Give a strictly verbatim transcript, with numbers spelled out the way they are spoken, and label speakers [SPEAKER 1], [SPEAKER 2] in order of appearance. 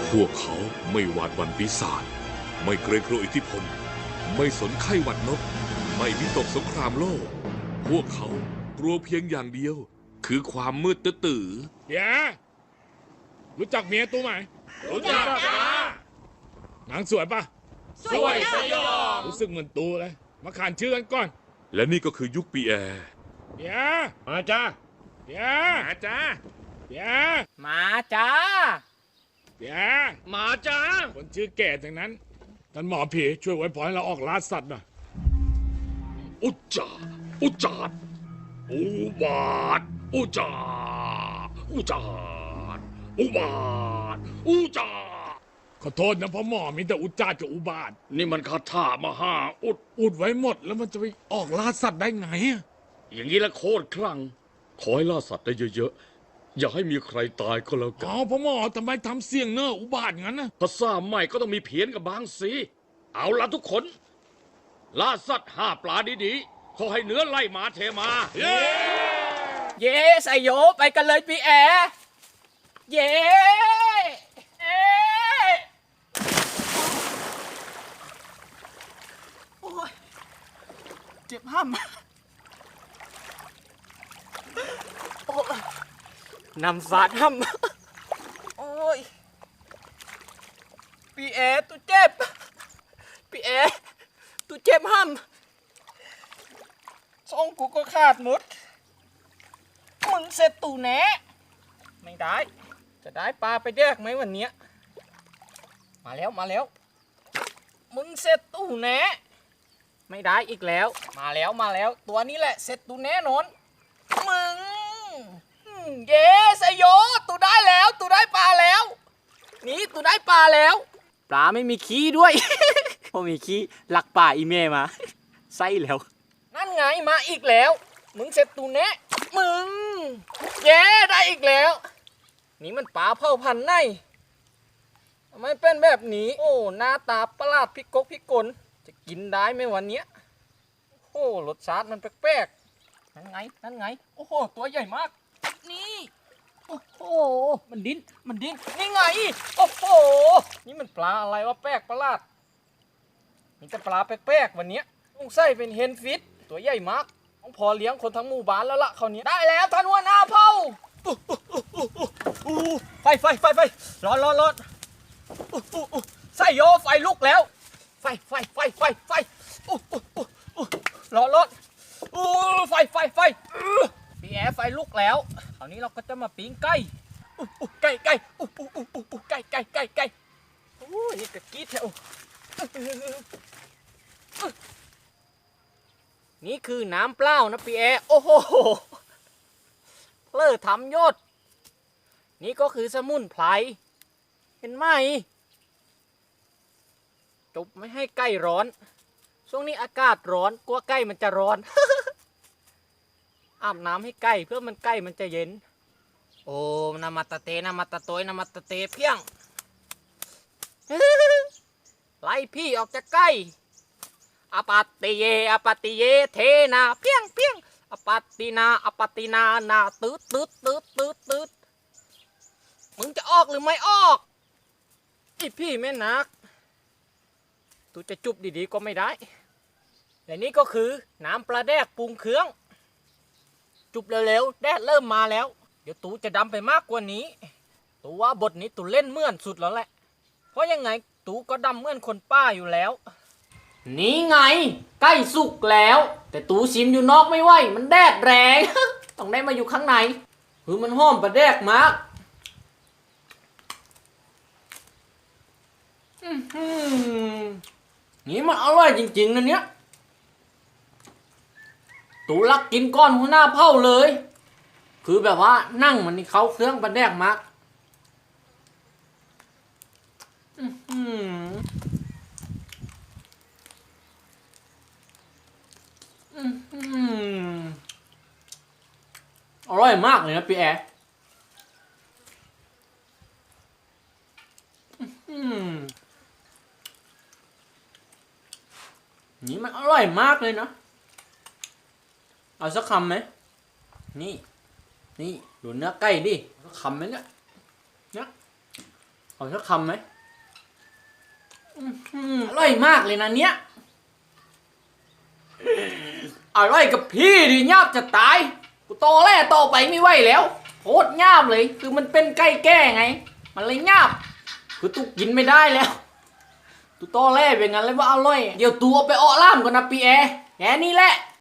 [SPEAKER 1] พวกเขาไม่หวาดหวั่นปีศาจไม่เกรงกลัวอิทธิพลไม่สนไข้หวัดนกไม่วิตกสงครามโลกพวกเขากลัวเพียงอย่างเดียว คือความมืดตื้อ
[SPEAKER 2] เดี๋ยวรู้จักเมียตู้ไหม
[SPEAKER 3] รู้จักจ้า
[SPEAKER 2] หนังสวยปะ
[SPEAKER 3] สวยสยอง
[SPEAKER 2] รู้สึกเหมือนตูเลยมาขานชื่อกันก่อน
[SPEAKER 1] และนี่ก็คือยุคปีแอร์
[SPEAKER 2] เดี๋ยวมาจ้าเดี๋ยวมาจ้าเดี๋ยว
[SPEAKER 3] มาจ้า
[SPEAKER 2] เดี๋ยว
[SPEAKER 3] มาจ้า
[SPEAKER 2] คนชื่อแก่ทั้งนั้นท่านหมอผีช่วยไว้พอให้เราออกล่าสัตว์หน่อย
[SPEAKER 1] อุจจาอุจจาดอุบาทอุจจาอุจจาดอุบาทอุจจา
[SPEAKER 2] ขอโทษนะพ่อหมอมีแต่อุจจากับอุบาท
[SPEAKER 1] นี่มันคาถามหาอุด
[SPEAKER 2] อุดไว้หมดแล้วมันจะไปออกล่าสัตว์ได้ไง
[SPEAKER 1] อย่างนี้ละโคตรคลั่งขอให้ล่าสัตว์ได้เยอะๆอย่าให้มีใครตายก็แล้วกัน
[SPEAKER 2] อ๋อพ่อหมอทำไมทำเสียงเนออุบาทงั้นนะ
[SPEAKER 1] ภาษาใหม่ก็ต้องมีเพี้ยนกับบางสีเอาละทุกคนล่าสัตว์ห้าปลาดีๆขอให้เนื้อไล่หมาเทมา
[SPEAKER 3] เย้เย้ไซโยไปกันเลยพี่แอเย้เอโอ้ยเจ็บห้ามโอ้นำฟาดห้ามโอ้ยพี่แอตัวเจ็บพี่แอตัวเจ็บห้ามช่องกูก็ขาดหมดมึงเสร็จตู่แหนไม่ได้จะได้ปลาไปแดกไหมวันเนี้ยมาแล้วมาแล้วมึงเสร็จตู่แหนไม่ได้อีกแล้วมาแล้วมาแล้วตัวนี้แหละเสร็จตู่แน่นอนมึงเย้สยโยตู่ได้แล้วตู่ได้ปลาแล้วนี่ตู่ได้ปลาแล้วปลาไม่มีขี้ด้วย พอมีขี้หลักป่าอีเมมาไส้แล้วนั่นไงมาอีกแล้วมึงเสร็จตู่แน่มึงเย้ได้อีกแล้วนี่มันปลาเผ่าพันธุ์ไหนทำไมเป็นแบบนี้โอ้หน้าตาประหลาดพิกกพิกลจะกินได้ไหมวันนี้โอ้รสชาติมันแปลกๆนั่นไงนั่นไงโอ้โหตัวใหญ่มากนี่โอ้โหมันดิ้นมันดิ้นนี่ไงโอ้โหนี่มันปลาอะไรวะแปลกประหลาดมีแต่ปลาแปลกๆวันนี้ต้องใส่เป็นเฮนฟิตตัวใหญ่มากต้องพอเลี้ยงคนทั้งหมู่บ้านแล้วล่ะคราวนี้ได้แล้วท่านหัวหน้าเผ่าไฟไฟไฟไฟร้อนร้อนร้อนใส่โยไฟลุกแล้วไฟไฟไฟไฟไฟร้อนร้อนไฟไฟไฟพี่แอร์ไฟลุกแล้วคราวนี้เราก็จะมาปิ้งไก่ไก่ไก่ไก่ไก่ไก่ไก่โอ้ยนี่กะกี้แถวนี่คือน้ำเปล่านะพี่แอร์โอ้โหเลิศทำยศนี่ก็คือสมุนไพรเห็นไหมจบไม่ให้ไก่ร้อนช่วงนี้อากาศร้อนกลัวไก่มันจะร้อน อาบน้ำให้ไก่เพื่อมันไก่มันจะเย็นโอ้นามาตะเตนามาตะโตยนามาตะเตเพียง ไล่พี่ออกจากไก่อปาติเยอปาติเยเทนาเพียงเพียงอปาตินาอปาตินานาตืดตืดตืดตืดตืดมึงจะออกหรือไม่ออกอีพี่แม่นักตูจะจุบดีๆก็ไม่ได้และนี่ก็คือน้ำปลาแดกปรุงเครื่องจุบเร็วๆแดดเริ่มมาแล้วเดี๋ยวตูจะดำไปมากกว่านี้ตูว่าบทนี้ตูเล่นเหมือนสุดแล้วแหละเพราะยังไงตูก็ดำเหมือนคนป้าอยู่แล้วนี่ไงใกล้สุกแล้วแต่ตูชิมอยู่นอกไม่ไหวมันแดดแรง ต้องได้มาอยู่ข้างในคือมันหอมปลาแดกมากนี่มันอร่อยจริงๆนะเนี้ยตูรักกินก้อนหัวหน้าเผ่าเลยคือแบบว่านั่งมันนี่เขาเครื่องปลาแดกมากอร่อยมากเลยนะพี่แอร์นี่มันอร่อยมากเลยนะเอาสักคำไหมนี่นี่ดูเนื้อไก่ดิสักคำไหมเนี่ยเนี่ยเอาสักคำไหมอื้อหืออร่อยมากเลยนะเนี้ยอร่อยกับพี่ดิยาบจะตายกูโตแล่โตไปไม่ไหวแล้วโคตรยาบเลยคือมันเป็นไก่แก้ไง มันเลยยาบคือตุกกินไม่ได้แล้วตุโตแล่เป็นงั้นเลยว่าอร่อยเดี๋ยวตัวไปอ้อล่ามก่อนนะปีแอแค่นี้แหละ